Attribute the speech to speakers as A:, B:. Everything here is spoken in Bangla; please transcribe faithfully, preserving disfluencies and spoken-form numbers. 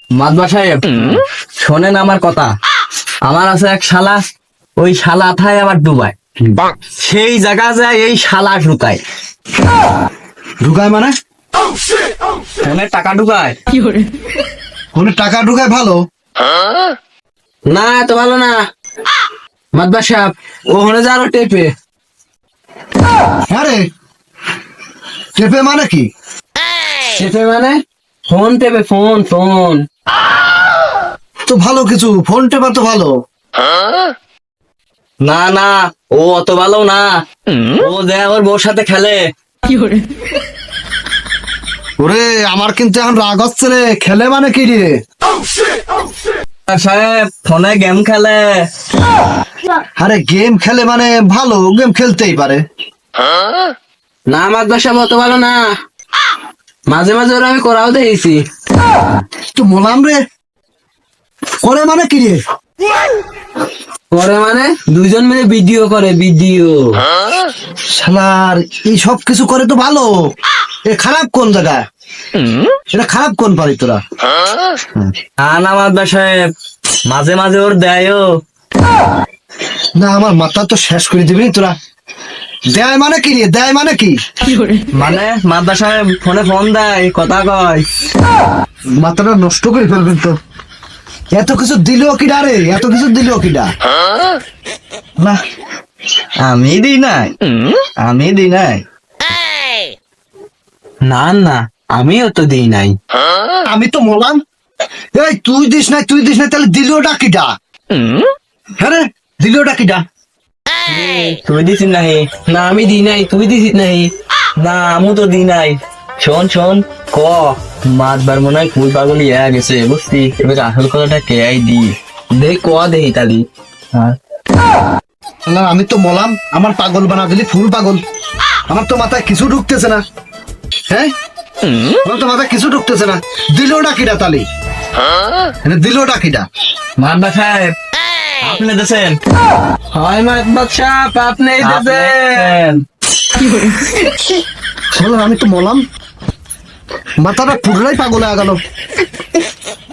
A: মাদবা সাহেব শোনেন আমার কথা। আমার আছে এক শালা, ওই শালা থায় আবার ডুবাই, সেই জায়গা যায় এই শালা ঢুকায়।
B: ঢুকায় মানে?
A: ফোনে টাকা ঢুকায়।
B: ফোনে টাকা ঢুকায় ভালো?
A: না এত ভালো না মাদবা সাহেব, ওখানে যা আরো টেপে।
B: হ্যাঁ রে, টেপে মানে কি?
A: টেপে মানে ফোন টেপে, ফোন ফোন।
B: তো ভালো কিছু, ফোন টেপা তো ভালো।
A: না না, ও অত ভালো না, ও দেয় ওর বউর সাথে খেলে।
B: ওরে আমার কিন্তু এখন রাগ হচ্ছে রে। খেলে মানে কি রে?
A: সাহেব ফোনে গেম খেলে।
B: আরে গেম খেলে মানে ভালো, গেম খেলতেই পারে।
A: না মাদবা সাহেব অত ভালো না, মাঝে মাঝে ওরা আমি করাও দেখেছি।
B: তো মোলাম রে, করে মানে কি রে?
A: করে মানে দুইজন মিলে ভিডিও করে, ভিডিও।
B: শালার এই সব কিছু করে তো ভালো, এ খারাপ কোন জায়গায়? এটা খারাপ কোন পারি তোরা?
A: না না মাদবা সাহেব, মাঝে মাঝে ওর দেয়ও।
B: না আমার মাথা তো শেষ করে দিবি তোরা। দেয় মানে কি রে? দেয় মানে কি?
A: মানে মাদবা সাহেব ফোনে ফোন দেয়, কথা কয়।
B: মাথাটা নষ্ট করে ফেলবেন তো। এত কিছু দিল কিডা রে? এত কিছু দিল কিডা? না
A: আমি দিই নাই, আমি দিই নাই। না না, আমিও তো দিই নাই।
B: আমি তো মোলাম। এই তুই দিস নাই, তুই দিস নাই, তাহলে দিলটা কিডা? হ্যাঁ রে, দিলটা কিডা?
A: তুই দিছিস নাই? না আমি দিই নাই। তুই দিছিস নাই? না আমি তো দিই নাই। শোন শোন, ক মাতবার মনে হয় ফুল পাগল ইয়া গেছে, বুঝছি। এবার আসল কথাটা কে আই দি দেখ, ক দেহি তালি।
B: না আমি তো মোলাম, আমার পাগল বানা দিলি, ফুল পাগল। আমার তো মাথায় কিছু ঢুকতেছে না। হ্যাঁ, আমার তো মাথায় কিছু ঢুকতেছে না। দিলটা কিডা তালি? দিলটা কিডা?
A: মাতবা সাহেব আপনি দেছেন। হয় মাতবা সাহেব আপনি দেছেন।
B: আমি তো মোলাম, মাথাটা পুরোটাই পাগল হয়ে গেল।